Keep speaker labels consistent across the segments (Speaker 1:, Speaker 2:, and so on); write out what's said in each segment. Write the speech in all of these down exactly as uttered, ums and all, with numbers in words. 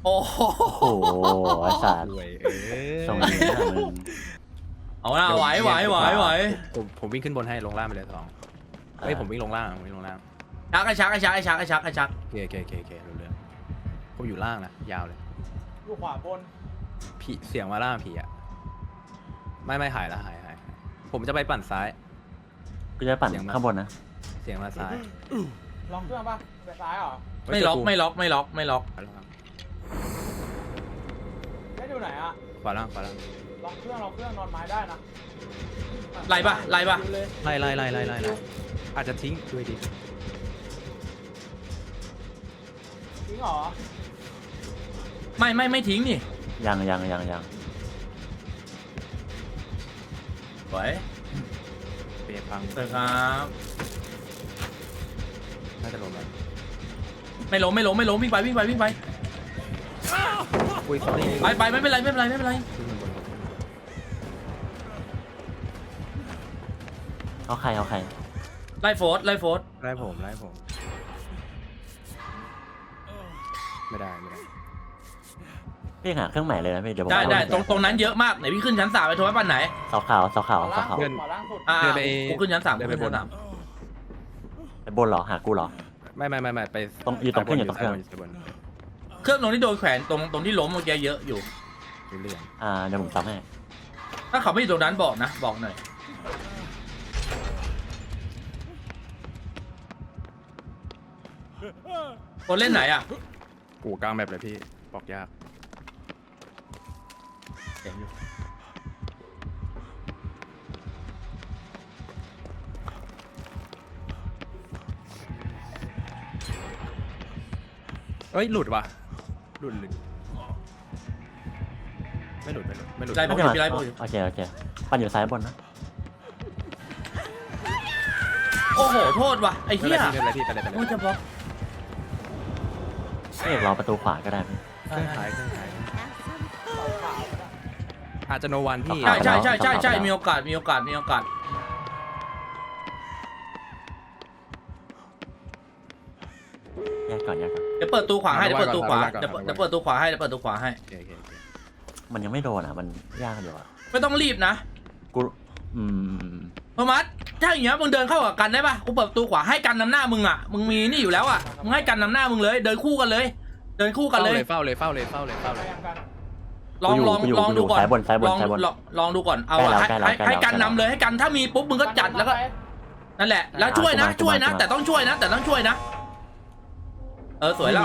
Speaker 1: โอ้โห
Speaker 2: โอ้โหไอ้สัตว์
Speaker 3: รวยเออ
Speaker 2: ส่งนี้นะมึง
Speaker 1: เอาละไหวไหวไหวไหว
Speaker 3: ผมผมวิ่งขึ้นบนให้ลงล่างไปเลยสองเฮ้ยผมวิ่งลงล่างผมวิ่งลงล่าง
Speaker 1: ชักไอ้ชักไอ้ชักไอ้ชักไอ้ชักไอ้ชัก
Speaker 3: โอเคโอเคโอเคโอเครู้เรื่องผมอยู่ล่างนะยาวเลย
Speaker 4: อยู่ขวาบน
Speaker 3: ผีเสียงมาล่างผีอะไม่ไม่หายแล้วหายหายผมจะไปปั่นซ้าย
Speaker 2: กูจะปั่น
Speaker 3: เสียงมา
Speaker 2: ข้างบนนะ
Speaker 3: เสียงมาซ้าย
Speaker 4: ล็อกเครื่องป่ะไปซ้ายเหรอ
Speaker 1: ไม่ล็อกไม่ล็อกไม่ล็อกไม่ล็อก
Speaker 3: ขวาล่าง
Speaker 4: ได้อยู่ไหนอ่ะ
Speaker 3: ขวาล่างขวาล่าง
Speaker 4: ล็อกเครื่องล็อกเครื่องนอนไม้ได้นะ
Speaker 1: ไล่ปะไล่ปะ
Speaker 4: ดูเลย
Speaker 3: ไล่ไล่ไล่ไล่ไล่ไล่อาจจะทิ้งด้วยดิ
Speaker 4: จริงเหรอ
Speaker 1: ไม่ไม่ไม่ทิ้งนี่
Speaker 2: ยังยังยังยัง
Speaker 1: ไหว
Speaker 3: เปรย์พัง
Speaker 1: เสร็จครับ
Speaker 3: น่าจะลงแล้ว
Speaker 1: ไม่ล้มไม่ล้มไม่ล้มวิ่งไปวิ่งไปวิ่งไป
Speaker 3: อุ้ย sorry
Speaker 1: ไปไปไม่เป็นไรไม่เป็นไรไม่เป็นไร
Speaker 3: ขึ้นบน
Speaker 2: เอาใครเอาใคร
Speaker 1: ไล่โฟร์ไล่โฟร์
Speaker 3: ไล่ผมไล่ผมไม่ได้ไม่ได้
Speaker 2: พี่หาเครื่องใหม่เลยนะพี่เดี๋ยวผม
Speaker 1: ได้ได้
Speaker 2: เอา
Speaker 1: ตรงตรงนั้นเยอะมากไหนพี่ขึ้นชั้นสามไปโทรปั้นไหน
Speaker 2: เสาขาวเสาขาว
Speaker 4: ขวา
Speaker 2: เสา
Speaker 4: ล่าง
Speaker 2: ขาว
Speaker 4: สุดขวาล่างสุด
Speaker 1: อ่า
Speaker 3: เดินไป
Speaker 1: กูขึ้นชั้นสาม
Speaker 3: เดิ
Speaker 1: กู
Speaker 3: นไป
Speaker 1: ขึ้น
Speaker 3: บน
Speaker 1: ชั้นสาม
Speaker 2: ไปบนเหรอหากูเหรอ
Speaker 3: ไม่ไม่ไม่ไม่ไป
Speaker 2: ตรงอยู่ตรงเครื่องอยู่ตรงเครื่อง
Speaker 3: ซ้ายบน
Speaker 1: เครื่องตรงที่โดนแขวนตรงตรงที่ล้มเมื่อกี้เยอะอยู่
Speaker 3: อยู่เรื่อง
Speaker 2: อ่าเดี๋ยวผมซ้ำให้
Speaker 1: ถ้าเขาไม่อยู่ตรงนั้นบอกนะบอกหน่อยคนเล่นไหนอ่ะ
Speaker 3: กูกลางแบบเลยพี่บอกยาก
Speaker 1: เห็นอยู่
Speaker 3: เอ้ยหลุดว่ะหลุดหลุดไม่หลุดไม่หลุดไม่หลุด
Speaker 1: ไล่
Speaker 2: ไม่
Speaker 1: ปก
Speaker 2: ใช่
Speaker 1: ติ
Speaker 2: มา
Speaker 1: พี่ไล่ปกติ
Speaker 2: โอเคโอเคปั่นอยู่ซ้ายบนนะ
Speaker 1: โอ้โหโทษว่ะไอ้
Speaker 3: ไม่
Speaker 1: เหี้ย
Speaker 3: เป็นไรพี่ไม่เป็นไรพี่ไปเลยไป
Speaker 1: โอ้ย
Speaker 3: เลย
Speaker 1: จะบล็อก
Speaker 2: พี่เอกรอประตูขวาก็ได้พี่
Speaker 3: เครื่องขายเครื่องขายอาจจะโนวันพี่
Speaker 1: ใช่ใช่ใช่ใช่ใช่มีโอกาสมีโอกาสมีโอกาส
Speaker 2: แยกก่อนแยกก่อน
Speaker 1: เดี๋ยวเปิดตู้ขวาให้เดี๋ยวเปิดตู้ขวาเดี๋ยวเปิดเดี๋ยวเปิดตู้ขวาให้เดี๋ยวเปิดตู้ขวาให้
Speaker 3: โอเคโอเคโอเค
Speaker 2: มันยังไม่โดนอ่ะมันยากอยู่อ่ะ
Speaker 1: ไม่ต้องรีบนะ
Speaker 2: กูอืม
Speaker 1: โทมัสถ้าอย่างเงี้ยมึงเดินเข้ากับกันได้ปะกูเปิดประตูขวาให้กันนำหน้ามึงอ่ะมึงมีนี่อยู่แล้วอ่ะมึงให้กันนำหน้ามึงเลย เดินคู่กันเลย เดินคู่กันเลย
Speaker 3: เฝ้าเลยเฝ้าเลยเฝ้าเลยเฝ้าเลย
Speaker 4: ยังกัน
Speaker 1: ลองลองลองดูก่อน
Speaker 2: ซ้ายบนซ้ายบน
Speaker 1: ลอง
Speaker 2: ซ้ายบน
Speaker 1: ลองลองดูก่อนเอา
Speaker 2: ใกล้
Speaker 1: อะ
Speaker 2: แล้ว
Speaker 1: ให้
Speaker 2: ใกล้แล้ว
Speaker 1: ให้
Speaker 2: ใกล้แล้ว
Speaker 1: ให้กันนำเลยให้กันถ้ามีปุ๊บมึงก็จัดแล้วก็นั่นแหละแล้วช่วยนะ
Speaker 2: อ่า
Speaker 1: ช่วยนะ
Speaker 2: มามา
Speaker 1: แต่ต้องช่วยนะ แต่ต้องช่วยนะเออสวยแล้ว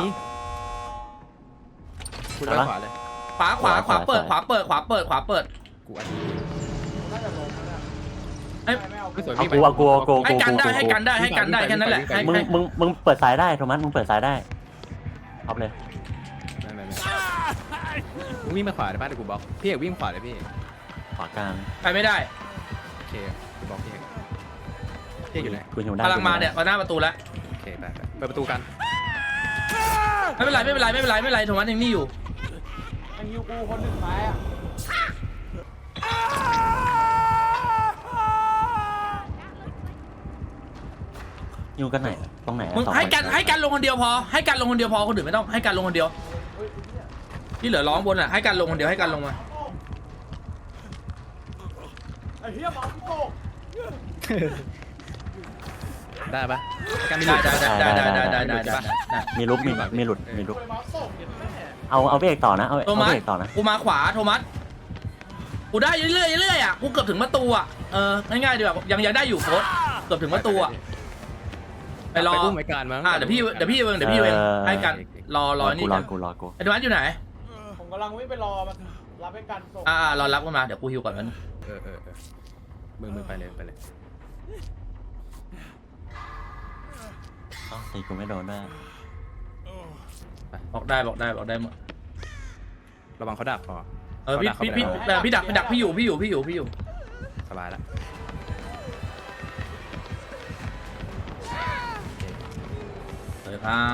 Speaker 3: คุณไปขวาเลย
Speaker 1: ขวาขวาขวาเปิดขวาเปิดขวาเปิดขวาเปิด
Speaker 3: กูอันนี้
Speaker 4: น่าจะลงแล้ว
Speaker 1: เอ้ย
Speaker 4: ไม่เอา
Speaker 3: ไม่สวย
Speaker 2: เอากูเอากูเอากู
Speaker 1: ให้
Speaker 2: กู
Speaker 1: กันได้
Speaker 2: กู
Speaker 1: ให้กันได้ให้กันได้แค่นั้นแหละให้
Speaker 2: มึง
Speaker 1: ให้
Speaker 2: มึงมึงเปิดซ้ายได้โทมัสมึงเปิดซ้ายได้เอาเลย
Speaker 3: ไม่ไม่ไม่มึงวิ่งมาขวาได้ป่ะเดี๋ยวกูบล็อกพี่เอกวิ่งขวาเลยพี่
Speaker 2: ขวากลาง
Speaker 1: ไปไม่ได้
Speaker 3: โอเคกูบล็อกพี่เอกพี่เอกอยู่ไหน
Speaker 2: กูหิวได้
Speaker 1: กำลังมาเนี่ยมาหน้าประตูแล้ว
Speaker 3: โอเคไปไปเปิดประตูกัน
Speaker 1: ไม่เป็นไรไม่เป็นไรไม่เป็นไรไม่เป็นไรโทมัสยังนี่อยู่
Speaker 4: ยังฮิวกูคนหนึ่งไม้อ่ะ
Speaker 2: อยู่กันไหนตรงไหนอะ
Speaker 1: มึง
Speaker 2: สอ
Speaker 1: ให้
Speaker 2: ค
Speaker 1: กันให้กันลงคนเดียวพอให้กันลงคนเดียวพอคนอื่นไม่ต้องให้กันลงคนเดียว
Speaker 4: เฮ้ยเนี่ย
Speaker 1: ที่เหลือร้องบนอ่ะให้กันลงคนเดียวให้กันลงมา
Speaker 4: ไอ้เหี้ยหมอพี่โก
Speaker 3: ได้ปะกันมีห
Speaker 1: ได้
Speaker 3: ลุด
Speaker 1: ได้ได้ได้ได้ได้ได้ได้ได้
Speaker 2: มีลุกมีมีหลุดมีลุก
Speaker 4: ไปหมอตกเห็นไหม
Speaker 2: เอาเอาพี่เอกต่อนะเอา
Speaker 1: โท
Speaker 2: เอา
Speaker 1: มัส
Speaker 2: พี่เอกต่อนะ
Speaker 1: กูมาขวาโทมัสกูได้เรื่อยๆเรื่อยๆอ่ะกูเกือบถึงประตูอ่ะเออง่ายๆดีกว่ายังยังได้อยู่โค้ดเกือบถึงประตูอ่ะไปรอ
Speaker 3: ไปกู้ไม้การมั้ง
Speaker 1: อ่าเดี๋ยวพี่เดี๋ยวพี่เองเดี๋ยวพี่เองให้กันรอรอนี่
Speaker 2: กูร
Speaker 1: กั
Speaker 2: อน กูรอกู
Speaker 1: ไอ้โทมัสอยู่ไหน
Speaker 4: ผมกำลังวิ่งไปรอมันรับให้กันส่ง
Speaker 1: อ่ารอรับกันมาเดี๋ยวกูฮิวก่อนมัน
Speaker 3: เออเออเออมึงมึงไปเลยไปเลย
Speaker 2: เอ้าตีกูไม่โดนด้วย
Speaker 1: บอกได้บอกได้บอกได้หมด
Speaker 3: ระวังเขาดักพอ
Speaker 1: เออพี่พี่พี่แต่พี่ดักพี่ดักพี่อยู่พี่อยู่พี่อยู่พี่อยู่
Speaker 3: สบายแล้ว
Speaker 1: สวัสดีครับ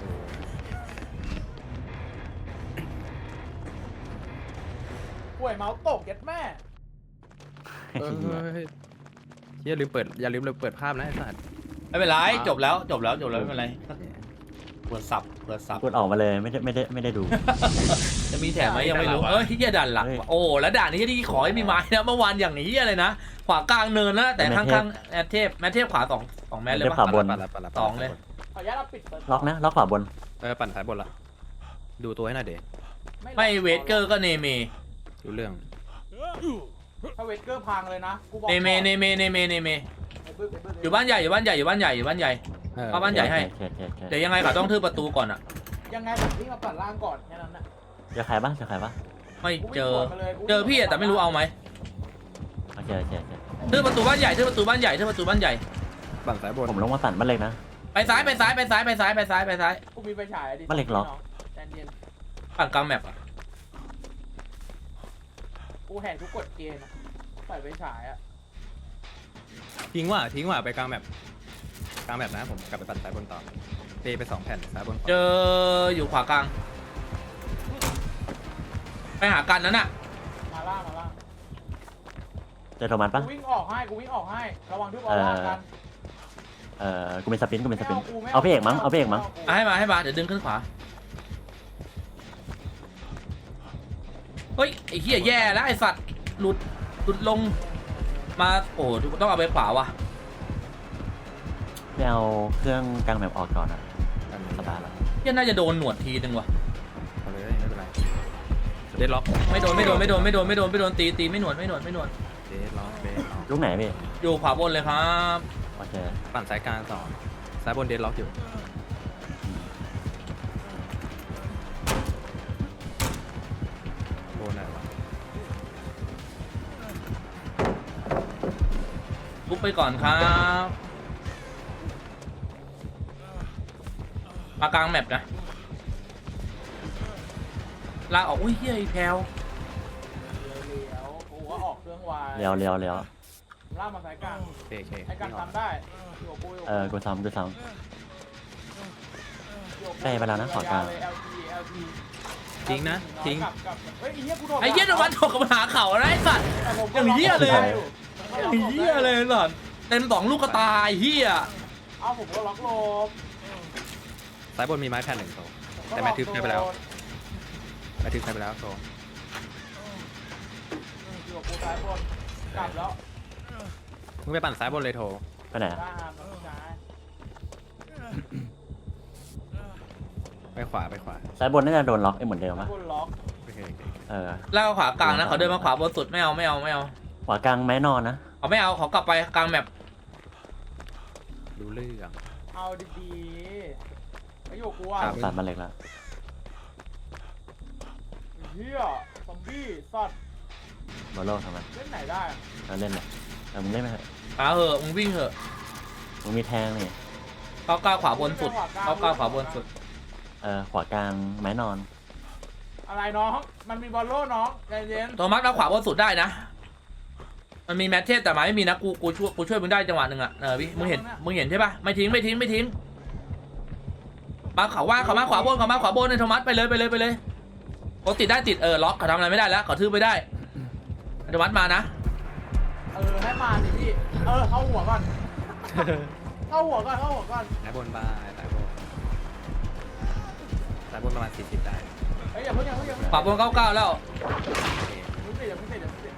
Speaker 4: ป่วยเมาส์ตกเย็ดแม่
Speaker 3: เอออย่าลืมเปิดอย่าลืมเลยเปิดภาพนะไอ้สัตว์
Speaker 1: ไม่เป็นไรจบแล้วจบแล้วจบแล้วไม่เป็นไร
Speaker 3: กู
Speaker 1: เปิดสับเปิดสับ
Speaker 2: กดออกมาเลยไม่ได้ไม่ได้ไม่ได้ดู
Speaker 1: จะมีแถมไหมยังไม่รู้เออที่จะดันหลัก
Speaker 2: เฮ้ย
Speaker 1: โอ้แล้วด่านนี้ที่ขอให้มีไม้นะเมื่อวานอย่างนี้อะไรนะขวากลางเนินนะแต่ข้างๆแมทเทพแมทเทพขวาสองสองแมทเลย
Speaker 2: แมทเทพขวา
Speaker 1: ปะ
Speaker 2: บน
Speaker 3: ปั่นละปั่นละ
Speaker 1: สองเลย
Speaker 4: ขออนุญาตเราปิดเปิด
Speaker 2: ล็อกนะล็อกขวาบน
Speaker 3: เออปั่นสายบนละดูตัวให้หน่อยเด็ก
Speaker 1: ไม่เวทเกอร์ก็เนเม
Speaker 3: ดูเรื่อง
Speaker 4: ถ้าเวทเกอร์พังเลยนะกูบอก
Speaker 1: เนเมเนเมเนเมเนเม
Speaker 4: ไอ้บึ้งไอ้บึ้ง
Speaker 1: อยู่บ้านใหญ่อยู่บ้านใหญ่อยู่บ้านใหญ่อยู่บ้านใหญ่
Speaker 3: เออ
Speaker 1: เอาบ้านใหญ่ให้
Speaker 2: โอเคโอเคโอเค
Speaker 1: เดี๋ยวยังไงเขาต้องทืบประตูก่อนอ่ะ
Speaker 4: ยังไงผมวิ่งมาปัดล่างก่อนแค่นั้นนะ
Speaker 2: เจอใครบ้างเจอใครบ้าง
Speaker 1: ไม่
Speaker 4: กูวิ่ง
Speaker 1: เจอ
Speaker 4: สวนมาลยกูวิ่ง
Speaker 1: เจอพี่อะแต่ไม่รู้เอาไหม
Speaker 2: โอเคโอเคโอเค
Speaker 1: ทืบประตูบ้านใหญ่ทืบประตูบ้านใหญ่ทืบประตูบ้านใหญ่
Speaker 3: ปั่นสายบน
Speaker 2: ผมลงมาปั่นบ้านเล็กนะ
Speaker 1: ไปซ้ายไปซ้ายไปซ้ายไปซ้ายไปซ้ายไปซ้าย
Speaker 4: กูมีไฟฉายอะดิ
Speaker 2: บ้านเล็กล็อก
Speaker 4: แดนเย็น
Speaker 1: ฝั่งกลางแมปอะ
Speaker 4: กูแหกทุกกฎเกณฑ์อะใส่ไฟฉายอะ
Speaker 3: ทิ้งว่ะทิ้งว่ะไปกลางแบบกลางแบบนะผมกลับไปปั่นสายบนต่อเตะไปสองแผ่นสายบน
Speaker 1: เจออยู่ขวากลางไปหากันนั้นอะ
Speaker 4: มาล่างมาล่าง
Speaker 2: เจอโทมัส
Speaker 4: กู
Speaker 2: ปะ
Speaker 4: วิ่งออกให้กูวิ่งออกให้ระวังทุกออร่ากัน
Speaker 2: เออกูเป็นสปินกูเป็นสปิน
Speaker 4: ไม่
Speaker 2: เอาพี่เอกมั้งเอาพี่เอกมั้ง
Speaker 1: เอาให้มาให้มาเดี๋ยวดึงขึ้นขวาเฮ้ยไอ้เหี้ยแย่แล้วไอ้สัตว์หลุดหลุดลงมาโอ้ต้องเอาไปขวาวะ
Speaker 2: ไม่เอาเครื่องกลางแมปออกก่อนอะสบายแล้ว
Speaker 1: เหี้ยน่าจะโดนหนวดทีนึงวะ
Speaker 3: เอาเลยไม่เป็นไรเดดล็อก
Speaker 1: ไม่โดนไม่โดนไม่โดนไม่โดนไม่โดนไม่โดนตีตีไม่หนวดไม่หนวดไม่หนวด
Speaker 3: เดดล็อกเดดล็อก
Speaker 2: ลูกไหนพี่
Speaker 1: อยู่ขวาบนเลยครับ
Speaker 2: โอเค
Speaker 3: ปั่นสายกลางต่อสายบนเดดล็อกอยู่โดนอะไรวะ
Speaker 1: ลุกไปก่อนครับมากลางแมปนะลากออกอุ้ยเฮียไอ้แพลว
Speaker 4: เลี้ยวกูก็ออกเครื่องไว
Speaker 2: เลี้ยวเลี้ยวเลี้ยว
Speaker 4: ลากมาสายกลาง
Speaker 3: โอเคโอเค
Speaker 4: ไอ้กันทำได้อยู่กับกูอยู่
Speaker 2: เออกูซ้ำกูซ้
Speaker 4: อยู่กับ
Speaker 2: ใกล้ไปแล้วนะขอกลาง
Speaker 4: ยๆ แอล ที แอล ที
Speaker 3: ทิ้งนะทิ้ง
Speaker 4: กลับกลับเฮ้ยไอ้เหี้ยกูโดน
Speaker 1: ไอ้เหี้ยโดนวันถกกับปัญหาเข่าอะไรไอ้สัตว์
Speaker 4: แต่ผมก็
Speaker 1: อย่างเหี้ยเลย
Speaker 4: ล็อกอ
Speaker 1: ไอ้เหี้ยเลยสัตว์เต็มสองลูกกระตายเหี้ย
Speaker 4: เอาผมก็ล็อกโลบ
Speaker 3: สายบนมีไม้แผ่นหนึ่งโซ
Speaker 4: ผมก็
Speaker 3: แต่แม่ทึบ
Speaker 4: ล็อก
Speaker 3: ได้ไปแล้ว
Speaker 4: โดน
Speaker 3: ไม้ทึบใช้ไปแล้วโซ
Speaker 4: อยู่กับกูซ้ายบนกลับแล้ว
Speaker 3: มึงไปปั่นสายบนเลยโทร
Speaker 2: ำไปไหนอะ
Speaker 4: ได้ครับน้องชาย
Speaker 3: ไปขวาไปขวา
Speaker 2: ซ้ายบนน่าจะโดนล็อกไอ้เหมือนเดิม
Speaker 4: ซ้าย
Speaker 2: ปะ
Speaker 4: บนล็อก
Speaker 3: โอเคโอเค
Speaker 2: เออ
Speaker 1: แล้วขวากลางนะเขาเดินมาขวาบนสุดไม่เอาไม่เอาไม่เอา
Speaker 2: ขวากลางไม้นอนนะ
Speaker 1: เขาไม่เอาเขากลับไปกลางแมป
Speaker 3: รู้เรื่อง
Speaker 4: เอาดีๆไอ้อยู่กับกูอ่ะ
Speaker 3: ครับ
Speaker 2: ปั่นบ้านเล็กแล้ว
Speaker 4: เฮียซอมบี้สัตว์
Speaker 2: บอลโลทำไม
Speaker 4: เล่นไหนได้อะ
Speaker 2: เราเล่นเลยเออมึงเล่นไหมเถอะ
Speaker 1: ขาเหอะมึงวิ่งเหอะ
Speaker 2: มึงมีแทงนี่
Speaker 1: เขาก้าวขวาบนสุดเขาก้าวขวาบนสุด
Speaker 2: เออขวากลางไม้นอน
Speaker 4: อะไรน้องมันมีบอลโล่น้องใจเย็น
Speaker 1: โทมัสก้าวขวาบนสุดได้นะมันมีแมทเทสแต่หมายไม่มีนะกูกูช่วยกูช่วยมึงได้จังหวะหนึ่งอะเออพี่มึงเห็นมึงเห็นใช่ปะไม่ทิ้งไม่ทิ้งไม่ทิ้งมาเขาว่าเขามาขวาบนเขามาขวาบนในโทมัสไปเลยไปเลยไปเลยโอติดได้ติดเออล็อกเขาทำอะไรไม่ได้แล้วเขาทืบไม่ได้โทมัสมานะ
Speaker 4: เออให้มาดิพี่เออเข้าหัวก่อนเข้าหัวก่อนเข้าหัวก่อน
Speaker 3: สายบนบ้าสายบนสายบนประมาณสี่สิบได้
Speaker 4: เฮ้ยอย่าเพิ่งอย่าเพิ่งอย่าเพิ่ง
Speaker 1: ขวาบนเก้าเก้าแล้ว
Speaker 3: โอเค
Speaker 4: อย่าเพิ่งเสร็จอย่าเพิ่งเสร็จ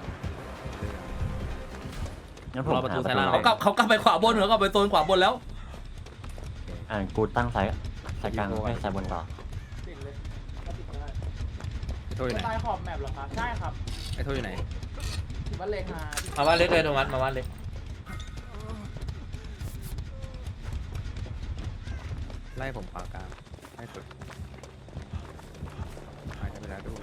Speaker 4: อย่าเพิ่งเสร็จ
Speaker 2: งั้นผม
Speaker 3: รอประตู
Speaker 2: หา
Speaker 3: ซ้ายล่าง
Speaker 1: เขากลับเขากลับไปขวาบนเหรอกลับไปโซนขวาบนแล้ว
Speaker 2: อ่ากูตั้งซ้ายซ้ายกลางไม่ซ้ายบนต่อ
Speaker 4: ติดเลยก็ติดได้
Speaker 3: ไอ้โทรอยู่ไหน
Speaker 4: ใต้ขอบแมปเหรอครับใช่ครับ
Speaker 3: ไอ้โทรอยู่ไหน
Speaker 4: ถือว่าเลงมา
Speaker 1: มาบ้านเล็กเลยโทมัสมาบ้านเล็ก
Speaker 3: ไล่ผมขวากลางให้สุดหายไปแล้วด้วย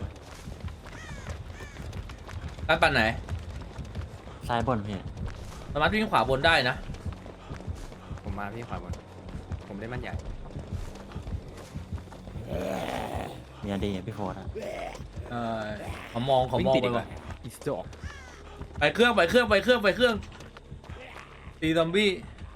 Speaker 1: การปั่นไหน
Speaker 2: ซ้ายบนพี่
Speaker 1: โทมัสวิ่งขวาบนได้นะ
Speaker 3: ผมมาพี่ขวาบนผมเล่นมันใหญ่
Speaker 2: มีอดีพี่โฟร์อะ
Speaker 1: เออเขามองเขามอง
Speaker 3: วิ่
Speaker 1: ไป
Speaker 3: ติด
Speaker 1: ว่ะ
Speaker 3: อีสจอก
Speaker 1: ไปเครื่องไปเครื่องไปเครื่องไปเครื่องตีซอมบี้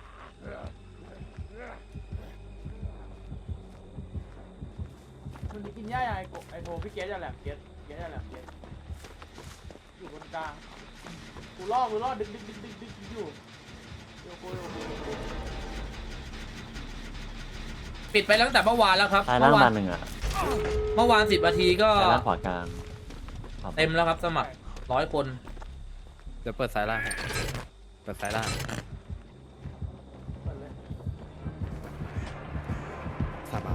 Speaker 4: มันกินหญ้ายังไงไอโทพี่เกสจะแหลมเกสเกสจะแหลมเกสอยู่บนกลางกูล่อกูล่อดึงดึงดึงดึงดึงอยู่อยู่กูอยู่กูอยู่กู
Speaker 1: ปิดไปตั้งแต่เมื่อวานแล้วครับ
Speaker 2: ซ้าย
Speaker 1: เมื่
Speaker 2: ล่าง
Speaker 1: อวา
Speaker 2: บาน นหนึ่งอ่ะ
Speaker 1: เมื่อวานสิบนาทีก็
Speaker 2: ซ้ายล่างขวากลางขวาบน
Speaker 1: เต็มแล้วครับสมัครร้อยคน
Speaker 3: เดี๋ยวเปิดซ้ายล่างให้เปิดซ้ายล่าง
Speaker 4: เปิดเลย
Speaker 3: ซาบา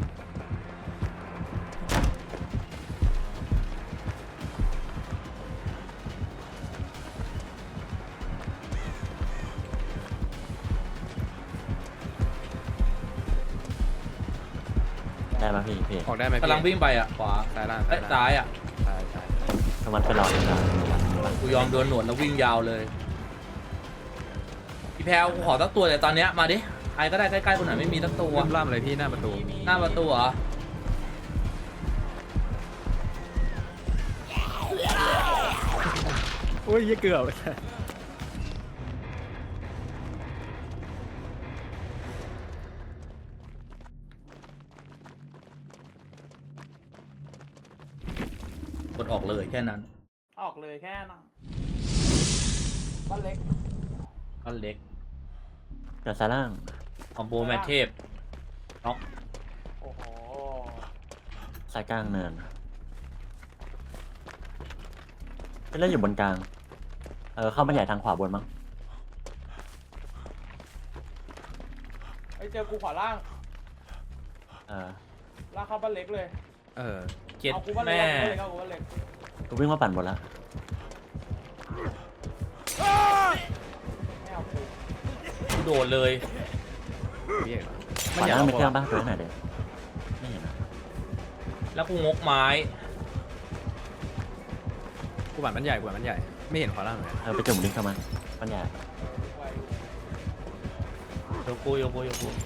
Speaker 2: ได้ไหมพี่พี่
Speaker 3: ออกได้ไหมพี่
Speaker 1: กำลังวิ่งไปอ่ะขวา
Speaker 3: ซ้ายล่าง
Speaker 1: เอ้ยซ้ายอ่ะ
Speaker 3: ซ้ายซ้าย
Speaker 2: โทมัสไปรอเลยนะ
Speaker 1: กูยอมโดนหนวดแล้ววิ่งยาวเลยพี่แพลวกูขอสักตัวแต่ตอนเนี้ยมาดิใครก็ได้ใกล้ๆคนไหนไม่มีสักตัว
Speaker 3: ล่ำล่ำเลยพี่หน้าประตู
Speaker 1: หน้าประตูเหรอ
Speaker 3: โอ้ยยี่เกือบ
Speaker 1: กดออกเลยแค่นั้น
Speaker 4: ออกเลยแค่นั้นบ้านเล็ก
Speaker 1: ก็เล็ก
Speaker 2: เดี๋ยวซ้ายล่าง
Speaker 1: คอมโบแมทเทพน็อก
Speaker 4: โอ้โห
Speaker 2: ซ้ายกลางเนินไปเล่นอยู่บนกลางเออเข้ามาใหญ่ทางขวาบนมั้ง
Speaker 4: ไอเจอกูขวาล่าง
Speaker 2: เออ
Speaker 4: ล่างเข้าบ้านเล็กเลย
Speaker 3: เออ
Speaker 1: เจ็ด
Speaker 4: เอากูบ้านเล็ก
Speaker 1: แม่
Speaker 4: เอากูบ้านเล็ก
Speaker 2: กูวิ่งมาปั่นบนแล้ว
Speaker 4: ไม่เอากู
Speaker 1: กูโดดเลย
Speaker 3: พี่เอกเหรอ
Speaker 2: ขวาล่างมีเครื่องป่ะตัวไหนเด็ไม่เห็นนะ
Speaker 1: แล้วกูงกไม้
Speaker 3: กูบันมันใหญ่กูบันมันใหญ่ไม่เห็นขวาล่างเลย
Speaker 2: เออไปจุ่มลิงก์เข้ามาปัญญา
Speaker 4: ไว้
Speaker 1: โยกูโยกูโยกู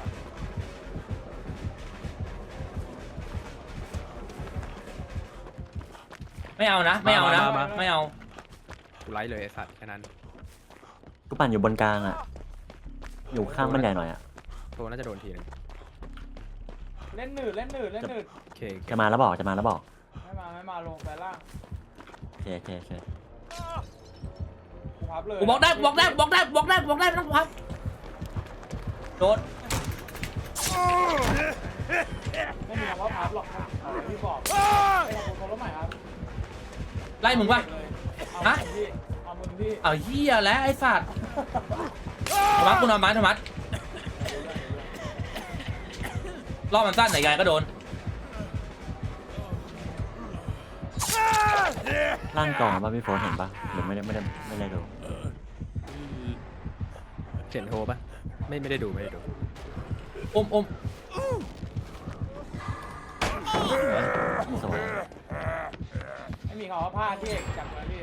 Speaker 1: ไม่เอานะไม่เอานะไม่เอา
Speaker 3: กูไล่เลยไอ้สัตว์แค่นั้น
Speaker 2: กูปั่นอยู่บนกลางอ่ะ อยู่ข้างบันไดหน่อยอ่ะ
Speaker 3: โทน่าจะโดนทีนึง
Speaker 4: เล่นหนืดเล่นหนืดเล่นหนืด
Speaker 3: โอเคโอเค
Speaker 2: จะมาแล้วบอกจะมาแล้วบอก
Speaker 4: ไม่มาไม่มาลงแต่ล่าง
Speaker 2: โอเคโอเคโอเค
Speaker 4: กูพับเลย
Speaker 1: กูบอกได้กูบอกได้กูบอกได้กูบอกได้กูบอกได้ไม่ต้องพับโดด
Speaker 4: ไม่มีคำว่าพับหรอกครับเอาเลยพี่บอกไอ้ของกูโทรรถใหม่ครับ
Speaker 1: ไล่มึงปะ
Speaker 4: เอา
Speaker 1: ฮะ
Speaker 4: มึงพี่เอามึงพี่
Speaker 1: เอาเหี้ยแล้วไอ้สัตว์ธรรมะกูนอนไม้ธรรมะรอบมันสั้นไหนไงก็โดน
Speaker 2: ล่างกล่องป่ะพี่โฟนเห็นป่ะหรือไม่ได้ไม่ได้ไม่ได้ดู
Speaker 3: เห็นโทปะไม่ไม่ได้ดูไม่ได้ดู
Speaker 1: อมอม
Speaker 2: สวย
Speaker 4: ไม่มีคำว่าพลาดพี่เอกจับมาพี่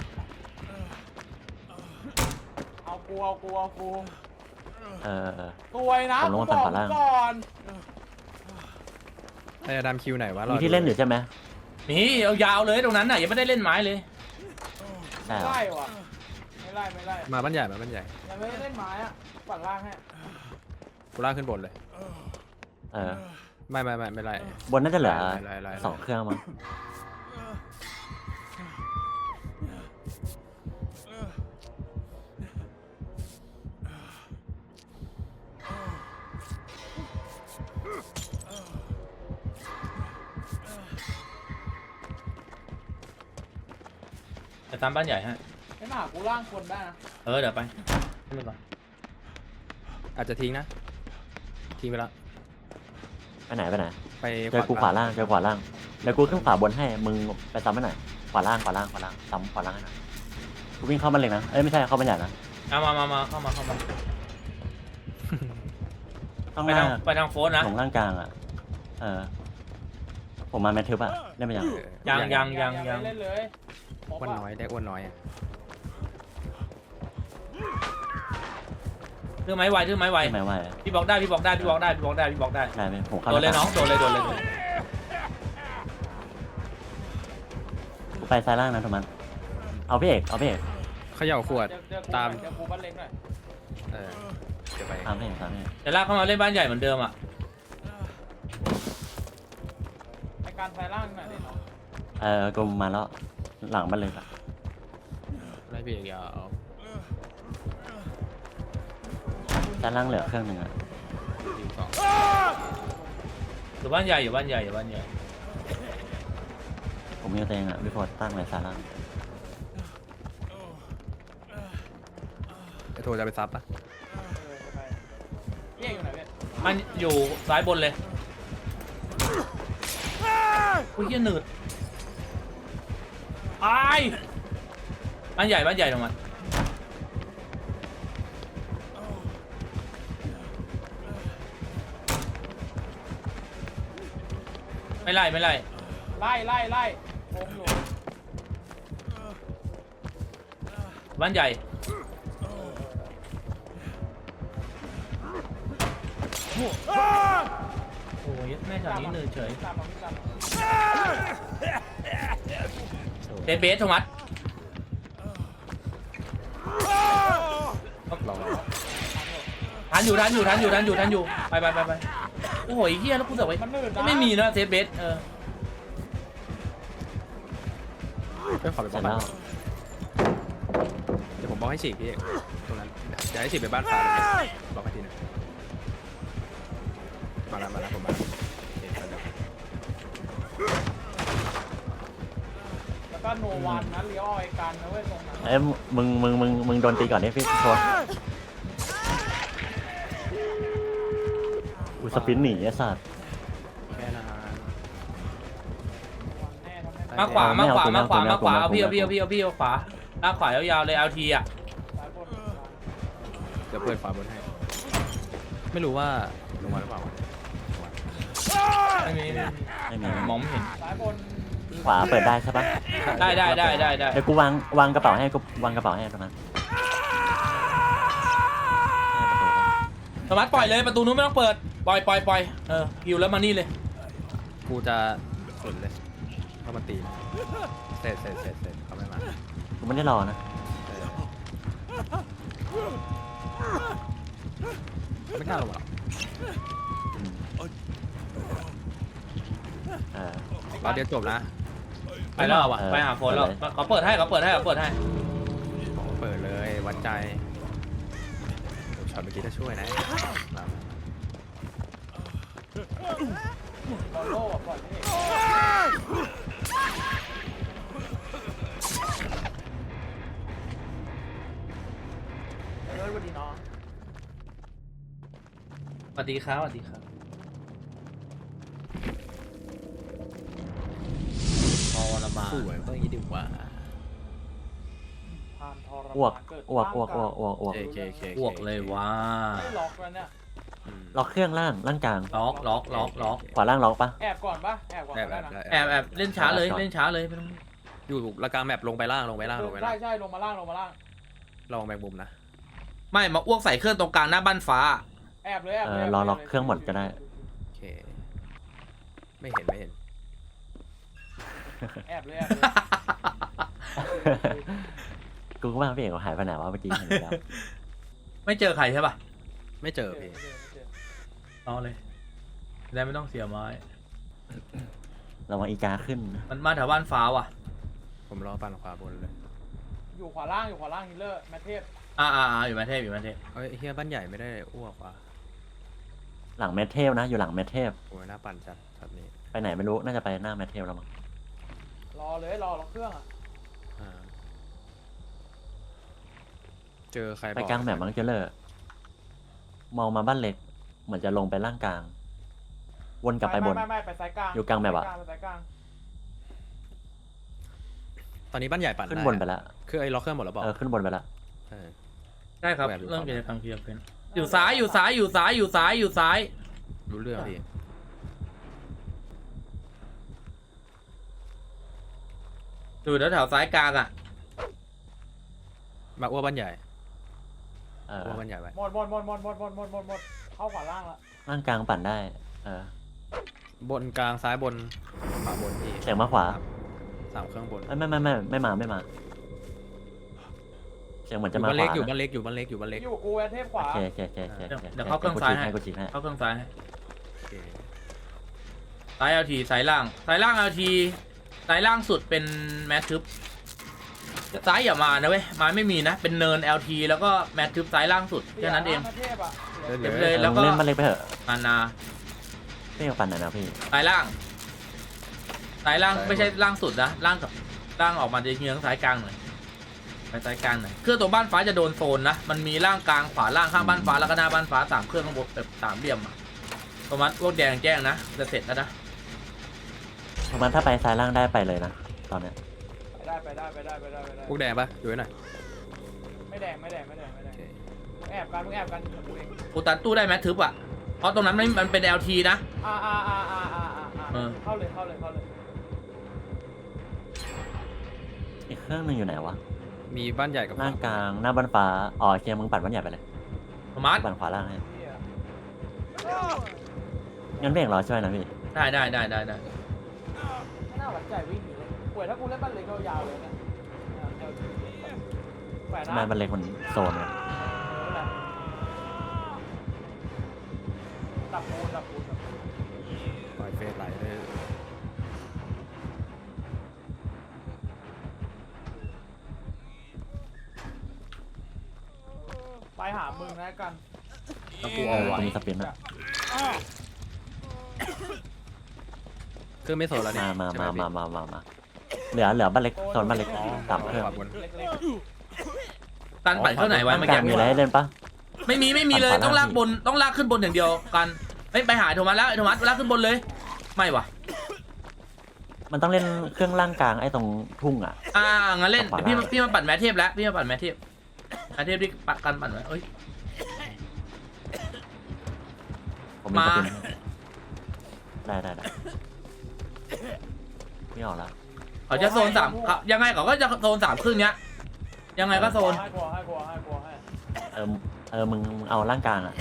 Speaker 4: เอากูเอากูเอากู
Speaker 2: เออเออ
Speaker 4: ตัวยนะ
Speaker 2: ผมลง
Speaker 4: กู
Speaker 2: มา
Speaker 4: บ
Speaker 2: ปั่
Speaker 4: อน ก
Speaker 2: ขวาล่าง
Speaker 4: ก่อน
Speaker 3: ไอ้ดำคิวไหนวะรอ
Speaker 2: มี
Speaker 3: ดู
Speaker 2: ที่เล่นอยู่ใช่ไหม
Speaker 1: นี่เอายาวเลยตรงนั้นน่ะยังไม่ได้เล่นไม้เลย
Speaker 2: ใช่
Speaker 4: ไม่
Speaker 2: เหรอ
Speaker 4: ไล่ว่ะไม่ไล่ไม่ไล่
Speaker 3: มาบ้านใหญ่มาบ้านใหญ่
Speaker 4: ยังไม่ได้เล่นไม้อะปั่นล่างให้
Speaker 3: กูล่างขึ้นบนเลย
Speaker 2: เออ
Speaker 3: ไม่ไม่ไม่ไม่ไล่
Speaker 2: บนน่าจะเหลือ
Speaker 3: ไล่ไล่ไล่
Speaker 2: สองเครื่องมั้ง
Speaker 1: จะตามบ้านใหญ่ฮะ
Speaker 4: ไม่มาหากูล่างคนได้นะ
Speaker 1: เออเดี๋ยวไปขึ้นไปก่อน
Speaker 3: อาจจะทิ้งนะทิ้งไปแล้ว
Speaker 2: ไปไหนไปไหน
Speaker 3: ไป
Speaker 2: เจอกูขวาล่างเจอขวาล่างเดี๋ยวกูขึ้นขวาบนให้มึงไปซ้ำให้หน่อยขวาล่างขวาล่างขวาล่างซ้ำขวาล่างให้หน่อยกูวิ่งเข้ามันเลยนะเอ้ยไม่ใช่เข้ามันใหญ่นะ
Speaker 1: เอามามามาเข้ามาเข้ามา
Speaker 2: ต้อง
Speaker 1: ไป
Speaker 2: หน้า
Speaker 1: ทางไปทางโฟนนะ
Speaker 2: ของล่างกลางอ่ะเออผมมาแมททึบอ่ะเล่นไปยัง
Speaker 1: ยังยัง
Speaker 4: ไม่เล่นเลยครบ
Speaker 3: อ้วน
Speaker 4: อะ
Speaker 3: น้อยได้อ้วนน้อยอ่ะ
Speaker 1: ถือไม้ไวถือไม้ไว
Speaker 2: ไม่ไม่ไหว
Speaker 1: พี่บอกได้พี่บอกได้พี่บอกได้พี่บอกได้พี่บอกได้
Speaker 2: ได้ไหมผมเข้า
Speaker 1: โดนเลยน้องโดนเลยโดนเลยโดนเลย
Speaker 2: กูไปซ้ายล่างนะโทมัสเอาพี่เอกเอาพี่เอก
Speaker 3: เขย่าขวด
Speaker 4: เจอเจอกู
Speaker 3: ตาม
Speaker 4: เจอกูบ้านเล็กหน่อย
Speaker 3: เออเดี๋ยวไป
Speaker 2: ตามพี่เอกตามพี่เอก
Speaker 1: แต่ลากเข้ามาเล่นบ้านใหญ่เหมือนเดิมอ่ะ
Speaker 4: ไอการไฟล่างหน่อยดิน้อง
Speaker 2: เออกูมาแล้วหลังมันเลยอะ
Speaker 3: ไล่พี่เอกยาว
Speaker 2: ซ้ายล่างเหลือเครื่องหนึ่งอ่ะ
Speaker 3: ทีมสอง
Speaker 1: อยู่บ้านใหญ่อยู่บ้านใหญ่อยู่บ้านใหญ่
Speaker 2: ผมยังตัวเองอ่ะพี่พอตั้งเลยสาล่าง
Speaker 3: ไอโทรจะไปซับปะ
Speaker 4: เออไปเอ๊ะอยู่ไหนเว้ย
Speaker 1: มันอยู่ซ้ายบนเลยอุ้ยเหี้ยหนืดไอ้ายบ้านใหญ่บ้านใหญ่ตรงมันไม่ไล่ไม่ไล่
Speaker 4: ไล่ไล่ไล่โงอยู่
Speaker 1: บ้านใหญ่โอ้ยแม่จากนี้เหนื่อยเฉย
Speaker 4: ตามมาพี่ตามมา
Speaker 1: เดนเบสโทมัส
Speaker 3: ลอง
Speaker 1: ทันอยู่ทันอยู่ทันอยู่ทันอยู่ทันอยู่ไปไปไปไปโอ้โหเฮียแล้วกูเสือกไว้
Speaker 4: มันหนืดนะ
Speaker 1: ไม่มีนะเซฟเบสเออ
Speaker 3: เพื่อนขอไป
Speaker 2: เส
Speaker 3: บ
Speaker 2: ร็
Speaker 3: อก
Speaker 2: จ
Speaker 3: บ้า
Speaker 2: แล้
Speaker 3: น
Speaker 2: ว
Speaker 3: เดี๋ยวผมบอกให้ฉีกพี่เอกตรงนั้นอยากให้ฉีกไปบ้านฟ้าบอกให้ทีนึงมาแล้วมาแล้วผมมาแล้วเอกไปแล้ว
Speaker 4: แล้วก็โนวันนะเลี้ยวเอาไอ้กันนะเว้ยตรงนั้น
Speaker 2: เอ้ยมึงมึงมึงมึงโดนตีก่อนนี่พี่โทษอุยสปินหนีไอ้สัตว์
Speaker 3: แค่นั้น
Speaker 4: วันแน่ทำให้
Speaker 1: มาขวามาขวามาขวามาขวา
Speaker 2: ไม่
Speaker 1: เอา
Speaker 2: เอา
Speaker 1: พี่เอา
Speaker 2: ไม่
Speaker 1: พี่เอา
Speaker 2: เอา
Speaker 1: พี่เอาพี่เอาขวาลากขวายาวๆเลยเอาทีอ่ะ
Speaker 4: สายบน
Speaker 3: เดี๋ยวเปิดฝาบนให้ ไม่รู้ว่าลงมาหรือเปล่า
Speaker 1: ไม่มีไม่มี
Speaker 2: ไม่มี
Speaker 1: มองไม่เห็น
Speaker 4: สายบน
Speaker 2: ขวาเปิดได้ใช่ปะ
Speaker 1: ได้ได้ได้ได้ได้
Speaker 2: เดี๋ยวกูวางวางกระเป๋าให้กูวางกระเป๋าให้ตรงนั้น
Speaker 1: โทมัสปล่อยเลยประตูนู้นไม่ต้องเปิดปล่อยปล่อยปล่อยเออฮิวแล้วมานี่เลย
Speaker 3: กูจะสุดเลยเข้ามาตีนะเสร็จเสร็จเสร็จเสร็จเขาไม่มา
Speaker 2: กูไม่ได้รอนะ
Speaker 3: ไม่กล้าลงหรอก
Speaker 2: อืมเออ
Speaker 3: รอบเดียวจบนะ
Speaker 1: ไปแล้ว
Speaker 3: อ่ะ
Speaker 2: เออ
Speaker 1: ไปหาโฟนแล้วเขาเปิดให้เขาเปิดให้เขาเปิดให้
Speaker 3: เปิดเลยวัดใจช็อตเมื่อกี้ถ้าช่วยนะ
Speaker 4: บอลโล่อะปล่อยไม่เห็นเออสวัสดีน้อง
Speaker 1: สวัสดีครับสวัสดีครับพอวันละมา
Speaker 3: สวยก็อย่างนี้ดีกว่า
Speaker 4: ผ่านทร
Speaker 2: อ้วก
Speaker 4: มานเกิด
Speaker 2: อ้วกอ้วกอ้วกอ้วกอ้วก
Speaker 3: เคเคเค
Speaker 1: อ้วกเลยว่า
Speaker 4: ไม่ล็อกแล้วเนี่ย
Speaker 2: ล็อกเครื่องล่างล่างกลาง
Speaker 1: ล็อกล็อกล็อกล็อก
Speaker 2: ขวาล่างล็อกปะ
Speaker 4: แอบก่อนปะแอบก่อน
Speaker 3: แอบ
Speaker 4: ก็
Speaker 3: แอ
Speaker 4: ได้
Speaker 3: บ
Speaker 4: นะ
Speaker 1: แอบแอบเล่นช้าเลยเล่นช้าเลยไม่ต้อง
Speaker 3: อยู่ระกลางแมปลงไปล่างลงไปล่างลงไป
Speaker 4: ใช่
Speaker 3: ล่าง
Speaker 4: ใช่ลงมาล่างลงมาล่าง
Speaker 3: ลองแมงมุมนะ
Speaker 1: ไม่มาอ้วกใส่เครื่องตรงกลางหน้าบ้านฟ้า
Speaker 4: แอบเลยแอบ
Speaker 2: เอ
Speaker 4: เลย
Speaker 2: อรอล็อกเครื่องหมดก็ได้
Speaker 3: โอเคไม่เห็นไม่เห็น
Speaker 4: แอบเลยแอบเลย
Speaker 2: กูก็ว่าพี่เอกเขาหายไปไหนวะเมื่อกี้เห็นแล้ว
Speaker 1: ไม่เจอใครใช่ป่ะ
Speaker 3: ไม่เจอพี่
Speaker 1: เอาเลยได้ไม่ต้องเสียไม้
Speaker 2: ระวังอีกาขึ้นนะ
Speaker 1: มันมาแถวบ้านฟ้าว่ะ
Speaker 3: ผมรอปั่นขวาบนเลย
Speaker 4: อยู่ขวาล่างอยู่ขวาล่างฮิลเลอร์แมทเทพ
Speaker 1: อ่าอ่าอ่าอยู่มาเทพอยู่มาเทพ
Speaker 3: เอ้ยเฮียบ้านใหญ่ไม่ได้อ้วกว่ะ
Speaker 2: หลังเมทเทลนะอยู่หลังเมทเทล
Speaker 3: โอ้ยน่าปั่นจัดช็อตนี้
Speaker 2: ไปไหนไม่รู้น่าจะไปหน้าเมทเทลแล้วมั้ง
Speaker 4: รอเลยรอล็อกเครื่องอ่ะ
Speaker 3: อ่าเจอใคร
Speaker 2: ไปกลางแมปมั้งเจเลอร์มองมาบ้านเล็ก เหมือนจะลงไปล่างกลาง วนกลับไปบน
Speaker 4: ไม่ไม่ไม่ไปสายกลาง
Speaker 2: อยู่กลางแบบอะ
Speaker 4: ไปสายกลาง
Speaker 3: ตอนนี้บ้านใหญ่ปั่น
Speaker 2: ขึ้น
Speaker 3: ได้
Speaker 2: บนไปแล้ว
Speaker 3: คือไอ้ล็อกเครื่องหมดแล้วบอก
Speaker 2: เออขึ้นบนไปแล้ว
Speaker 3: เออ
Speaker 1: ใช่ครับ
Speaker 3: แบบอยู่
Speaker 1: เริ่ม
Speaker 3: ฝั่ง
Speaker 1: กิจกรรมเคลียร์เป็นอยู่ซ้ายอยู่ซ้ายอยู่ซ้ายอยู่ซ้ายอยู่ซ้าย
Speaker 3: รู้เรื่องพี่
Speaker 1: อยู่แถวแถวซ้ายกลางอ่ะ
Speaker 3: มาอ้วกบ้านใหญ่
Speaker 2: เออ
Speaker 3: อ้วกบ้านใหญ่ไว้
Speaker 4: หมดหมดหมดหมดหมดหมดหมดหมดหมดเข้าขวาล่างละ
Speaker 2: ล่างกลางปั่นได้ เออบ
Speaker 3: นกลางซ้ายบนขวาบนพี่
Speaker 2: เสียงมาขวา
Speaker 3: สามเครื่องบน
Speaker 2: เอ้ยไม่ไม่ไม่ไม่มาไม่มา เสียงเหมือนจะมา
Speaker 3: บ้าน
Speaker 2: ข
Speaker 3: เล็ก
Speaker 2: วา
Speaker 3: อยู่
Speaker 2: นะ
Speaker 3: บ้านเล็กอยู่บ้านเล็กอยู่บ้านเล็ก
Speaker 4: อยู่กับกูแมทเทพขวา
Speaker 2: โอเคโอเคโอเคโอเค
Speaker 1: เดี๋ยว
Speaker 2: โอ
Speaker 1: เดี๋ยวเข้าเครื่องซ้ายให้
Speaker 2: กูฉีกให้
Speaker 1: เข้าเครื่องซ้ายให้
Speaker 3: โอเค
Speaker 1: ซ้ายเอลทีซ้ายล่างซ้ายล่างเอลทีซ้ายล่างสุดเป็นแมททึบซ้ายอย่ามานะเว้ยมาไม่มีนะเป็นเนิน แอล ที แล้วก็แมททึบซ้ายล่างสุดแค่นั้นเอง
Speaker 4: แมทเทพอ่ะ
Speaker 1: เอ
Speaker 3: เล่น
Speaker 1: เก็บ
Speaker 3: เล
Speaker 1: เลย ย แล้วก็
Speaker 2: เล่นมันเล็กไปเถอะ
Speaker 1: มานา
Speaker 2: พี่กับฟันหน่อยนะพี่
Speaker 1: สายล่างสายล่าง
Speaker 3: สายบน
Speaker 1: ไม่ใช่ล่างสุดนะล่างกับล่างออกมาจะเยื้องสายกลางหน่อยไปสายกลางหน่อยเครื่องตรงบ้านฟ้าจะโดนโซนนะมันมีล่างกลางขวาล่างข้างบ้านฟ้าแล้วก็หน้าบ้านฟ้าสามเครื่องข้างบนแบบสามเหลี่ยมอะประมาณพวกแดงแจ้งนะจะเสร็จแล้วนะ
Speaker 2: ประมาณถ้าไปซ้ายล่างได้ไปเลยนะตอนเนี้ย
Speaker 4: ไปได้ไปได้ไปได้ไปได้ไปได้
Speaker 3: พวกแดงปะดูให้หน่อย
Speaker 4: ไม่แดงไม่แดงไม่แดงไม่แด
Speaker 3: โอง เค
Speaker 4: มึงแอบกันมึงแอบกันกับกูเอง
Speaker 1: กูตันตู้ได้ไหมทึบอ่ะเพราะตรงนั้นมันมันเป็น แอล ที นะ
Speaker 4: อ่าอ่าอ่าอ่าอ่าอ่า
Speaker 1: เออ
Speaker 4: เข้าเลยเข้าเลยเข้าเลย
Speaker 2: อีกเครื่องหนึงอยู่ไหนวะ
Speaker 3: มีบ้านใหญ่กับ
Speaker 2: ล่างกลางหน้าบ้านฟ้าอ๋อโอเคมึงปัดบ้านใหญ่ไปเลย
Speaker 1: สมาร์ท
Speaker 2: ปั่นขวาล่างให้
Speaker 4: เหี้ย
Speaker 2: งั้นเบ่งรอช่วยนะพี่
Speaker 1: ได้ได้ได้ได้ได้
Speaker 4: ไม่น่าหวั่นใจวิ่งหนีเลยป่วยถ้ากูเล่นบ้านเล็กยาวๆเลยนะอ่าเอลทีแขวน
Speaker 2: ทำ
Speaker 4: นะ
Speaker 2: ไมมันเล็กมันโซนวะ
Speaker 4: เออแหละดับปูนดับปูนดับปูน
Speaker 3: ปล่อยเฟสไหลเลย
Speaker 4: ไปหามึงนะกัน
Speaker 1: แล้วกู
Speaker 2: เอ
Speaker 1: เอา
Speaker 2: อ
Speaker 1: ไว้
Speaker 2: กูมีสปินนะ
Speaker 3: เครื่องไม่โซนแล้วเนี่ย
Speaker 2: มามา
Speaker 3: ใช่ไห
Speaker 2: มา
Speaker 3: พี่
Speaker 2: มามามามาเหลือเหลือบ้านเล็กโซนบ้านเล็กสามเครื่อง
Speaker 3: ขวาบน
Speaker 4: เล็ก
Speaker 1: ตันปั่นเครื่องไหนไว้
Speaker 2: บ้าน
Speaker 1: เมื่อก
Speaker 2: ลา
Speaker 1: กี้
Speaker 2: งมีอะไรให้เล่นปะ
Speaker 1: ไม่มีไม่มีเลย
Speaker 2: ปั่นขวา
Speaker 1: ต้องลาก
Speaker 2: ล่าง
Speaker 1: บนต้องลากขึ้นบนอย่างเดียวกันไม่ไปหาโทมัสแล้วไอ้โทมัสลากขึ้นบนเลยไม่วะ
Speaker 2: มันต้องเล่นเครื่องล่างกลางไอ้ตรงทุ่งอ่ะ
Speaker 1: อ่างั้นเล่น
Speaker 2: ขวา
Speaker 1: เดี๋ยวพี่
Speaker 2: ล่าง
Speaker 1: พี่มาปั่นแมทเทพแล้วพี่มาปั่นแมทเทพแมทเทพที่ปัดกันปั่นไว้เอ้ย
Speaker 2: ผมมีส
Speaker 1: มา
Speaker 2: ปินได้ได้ได้ไม่ออกแล้ว
Speaker 1: เขาจะโซนสามเขายังไงเขาก็จะโซนสามครึ่งเนี้ยยังไงก็โซน
Speaker 4: ให้กลัวให้กลัวให้กลัวให้
Speaker 2: เออเออมึงมึงเอาล่างกลางอ่ะ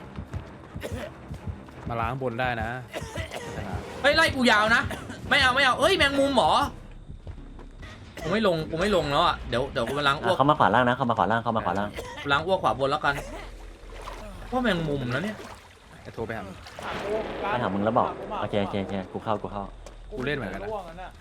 Speaker 3: มาล้างบนได้นะชนะ
Speaker 1: เฮ้ยไล่กูยาวนะไม่เอาไม่เอาเอ้ยแมงมุมเหรอกูไม่ลงกูไม่ลงแล้วอ่ะเดี๋ยวเดี๋ยวกูไปล้างอ้
Speaker 2: อ่ะ
Speaker 1: วก
Speaker 2: เขามาขวาล่างนะเขามาขวาล่างเขามาขวาล่าง
Speaker 1: ล้างอ้วกขวาบนแล้วกันเพราะแมงมุมแล้วเนี่ย
Speaker 3: ไอ้โทรไปหา
Speaker 4: หากู
Speaker 2: ไปถามมึงแล้วบอกโอเคโอเคโอเคกูเข้ากูเข้า
Speaker 3: กูเล่นเหมือนกันนะ
Speaker 4: ร่วงแล้วเนี่ย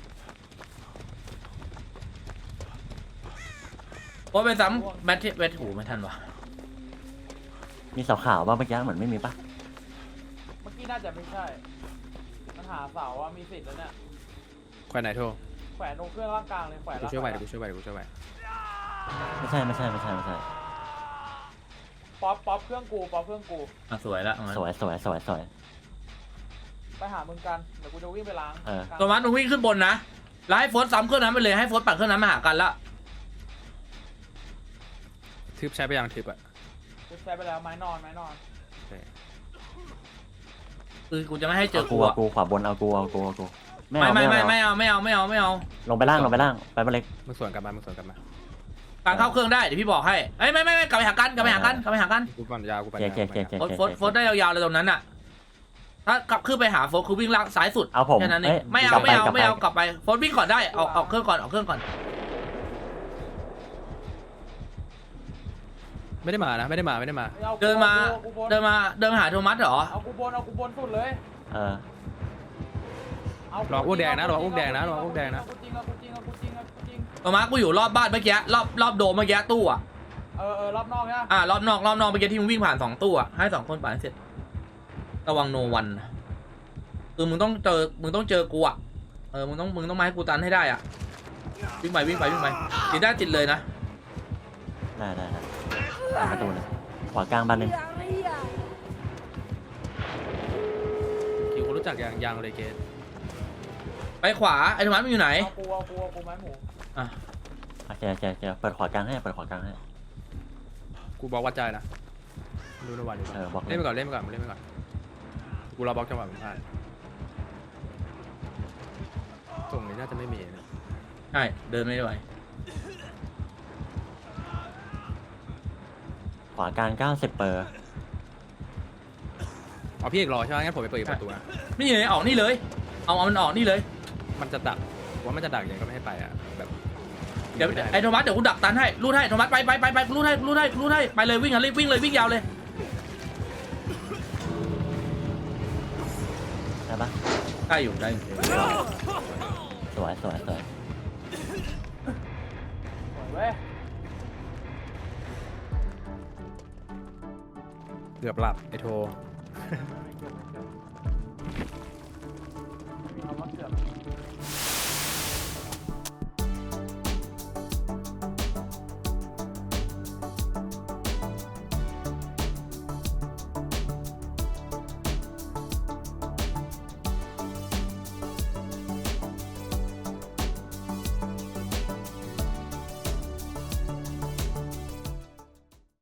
Speaker 1: เพราะไปซ้ำแมทเทพแมทหูไม่ทันวะ
Speaker 2: มีเสาขาวป่ะเมื่อกี้เหมือนไม่มีป่ะ
Speaker 4: เมื่อกี้น่าจะไม่ใช่มันหาเสาว่ามีสิทธิ์แล้วเนี่ย
Speaker 3: แขวนไหนโทร
Speaker 4: แขวนตรงเครื่องร่างกลางเลยแขวน
Speaker 3: กู
Speaker 4: ร่าง
Speaker 3: ช่วยไหว
Speaker 4: กลาง
Speaker 3: เดี๋ยวกูช่วยไหวเดี๋ยวกูช่วยไหว
Speaker 2: ไม่ใช่ไม่ใช่ไม่ใช่ไม่ใช่
Speaker 4: ป๊อปป๊อปเครื่องกูป๊อปเครื่องกู
Speaker 1: อ่ะสวยละเอางั้น
Speaker 2: สวยสวยสวยสวย
Speaker 4: ไปหามึงกันเดี๋ยวกูจะวิ่งไปล้าง
Speaker 2: เออ
Speaker 1: โทมัสมึงวิ่งขึ้นบนนะแล้วให้โฟร์ซ้ำเครื่องนั้นไปเลยให้โฟร์ปั่นเครื่องนั้นมาหากันละ
Speaker 3: ทึบใช้ไปยังทึบอะ
Speaker 4: กูใช้ไปแล้วไม้นอนไม้นอน
Speaker 3: โอเค
Speaker 1: คือกูจะไม่ให้เจ
Speaker 2: เอา
Speaker 1: อ
Speaker 2: กู
Speaker 1: กู
Speaker 2: เอา
Speaker 1: อะ
Speaker 2: กูขวาบนเอากูเอากูเอากู
Speaker 1: ไม่ไม่ไม่ไม่เอาไม่เอาไม่เอาไม่เอา
Speaker 2: ลงไปล่างลงไปล่างไปบ้านเล็ก
Speaker 3: มึงสวนกลับมามึงสวนกลับมา
Speaker 1: การเข้าเครื่องได้เดี๋ยวพี่บอกให้เอ้ยไม่ไม่ไม่กลับไปหากันกลับไปหากันกลับไปหากัน
Speaker 3: กูปั่นยาวกูปั่น
Speaker 2: เจ๊
Speaker 3: ยาว
Speaker 2: เจ๊เจ๊เจ๊
Speaker 1: โฟร์โฟร์โฟร์ได้ยาวๆเลยตรงนั้นอะถ้ากลับขึ้นไปหาโฟร์คือวิ่งล่างซ้ายสุด
Speaker 2: เอาผม
Speaker 1: แค่นั้นเอ
Speaker 2: เอ้
Speaker 1: ง
Speaker 2: ย
Speaker 1: ไม่
Speaker 2: ก
Speaker 1: เอา
Speaker 2: ลับ
Speaker 1: ไม่เอา
Speaker 2: กลับ
Speaker 1: ไม่เอา
Speaker 2: ป
Speaker 1: กลับไปโฟร์วิ่งก่อนได้ออกออกเครื่องก่อนออกเครื่องก่อน
Speaker 3: ไม่ได้มานะไม่ได้มาไม่ได้มา
Speaker 4: อกู
Speaker 1: เดินมา
Speaker 4: อกูบน
Speaker 1: เดินมาเดินมาหาโทมัสเหรอ
Speaker 4: เอากูบนเอากูบนสุดเลย
Speaker 2: เออ
Speaker 4: เอา
Speaker 3: รออ้วกแดงนะรออ้วกแดงนะรออ้วกแดงนะ
Speaker 4: เอากูจริงเอากูจริงเอากูจริงเอากูจริง
Speaker 1: โทมัสกูอยู่รอบบ้านเมื่อกี้รอบรอบโดมเมื่อกี้ตู้อะ
Speaker 4: เออเออรอบนอกใช่ไหม
Speaker 1: อ่ารอบนอกรอบนอกเมื่อกี้ที่มึงวิ่งผ่านสองตู้อะให้สองคนผ่านให้เสร็จระวังโนวันคือมึงต้องเจอมึงต้องเจอกูอะเออมึงต้องมึงต้องมาให้กูตันให้ได้อะวิ่งไปวิ่งไปวิ่งไปติดได้ติดเลยนะ
Speaker 2: ได้ได้ได้ตามประตูเลยขวากลางบ้านหนึง
Speaker 3: คิวคนรู้จักยังยังเลยเกต
Speaker 1: ไปขวาไอ้โทมัสมึงอยู่ไหน
Speaker 4: เอากูเอากูเอากูไม้หมู
Speaker 1: อ่ะ
Speaker 2: โอเคโอเคโอเคเปิดขวากลางให้เปิดขวากลางให้
Speaker 3: กูบล็อกวัดใจนะดูในวันดู
Speaker 2: เออบล็อกเล
Speaker 3: เล่
Speaker 2: ย
Speaker 3: นไปก่อนเล่นไปก่อนมึงเล่นไปก่อนกูรอบล็อกจังหวะมึงพลาดส่งนี้น่าจะไม่มีนะ
Speaker 1: ใช่เดินไม่ไหว
Speaker 2: ขวากลางเก้าสิบเปอร์
Speaker 3: เอาพี่เอกรอใช่ไหมงั้นผมไปเปิดอีกประตูนะ
Speaker 1: นี่เลยออกนี่เลย เอาเอามันออกนี่เลย
Speaker 3: มันจะดักว่ามันจะดักยังก็ไม่ให้ไปอ่ะแบบ
Speaker 1: เดี๋ยว
Speaker 3: ม่
Speaker 1: ไอ้โทมัสเดี๋ยวกูดักตันให้รูดให้โทมัสไปไปไปไปรูดให้รูดให้รูดให้ไปเลยวิ่งอ่ะรีบวิ่งเลยวิ่งยาวเลย
Speaker 2: ได้ปะ
Speaker 1: ได้อยู่ได้อยู่
Speaker 2: สวยสวยสวย
Speaker 4: สวยเว้ย
Speaker 3: เกือบหลับไอโท
Speaker 4: ไม่เกิดไม่เกิด